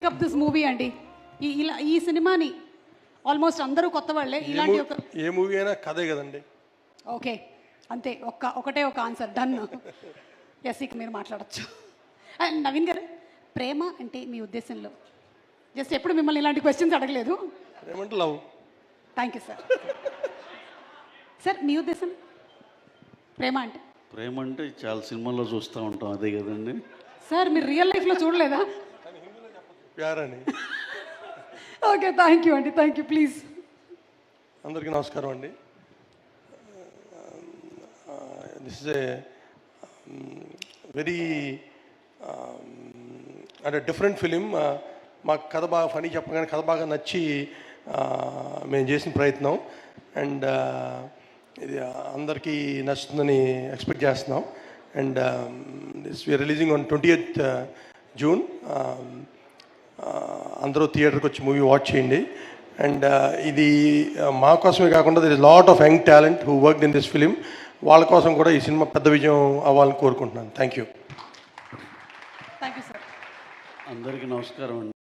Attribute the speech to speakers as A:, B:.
A: Up this movie అండి. ఈ సినిమాని ఆల్మోస్ట్ అందరూ కొత్త వాళ్ళే. ఇలాంటి ఒక
B: ఏ మూవీ అయినా కథే కదండి.
A: ఓకే, అంతే. ఒకటే ఒక ఆన్సర్ డన్. ఎస్, ఇక మీరు మాట్లాడచ్చు. నవీన్ గారు, ప్రేమ అంటే మీ ఉద్దేశంలో? జస్ట్ ఎప్పుడు మిమ్మల్ని ఇలాంటి క్వశ్చన్స్ అడగలేదు.
B: ఏమంటే love.
A: Thank you sir. Sir, మీ ఉద్దేశం ప్రేమ అంటే?
C: ప్రేమ అంటే చాలా సినిమాల్లో చూస్తూ ఉంటాం, అదే కదండి.
A: సార్, మీరు రియల్ లైఫ్లో చూడలేదా?
B: ప్యారని.
A: ఓకే, థ్యాంక్ యూ అండి, థ్యాంక్ యూ. ప్లీజ్.
B: అందరికీ నమస్కారం అండి. దిస్ ఇస్ ఏ వెరీ అంటే డిఫరెంట్ ఫిలిం. మాకు కథ బాగా ఫనీ చెప్పగానే కథ బాగా నచ్చి మేము చేసిన ప్రయత్నం. అండ్ ఇది అందరికీ నచ్చుతుందని ఎక్స్పెక్ట్ చేస్తున్నాం. And this we are releasing on 20th June. అందరూ థియేటర్కి వచ్చి మూవీ వాచ్ చేయండి. అండ్ ఇది మా కోసమే కాకుండా there is lot of young talent who worked in this film. వాళ్ళ కోసం కూడా ఈ సినిమా పెద్ద విజయం అవ్వాలని కోరుకుంటున్నాను. Thank you.
A: Thank you sir.
C: అందరికీ నమస్కారం అండి.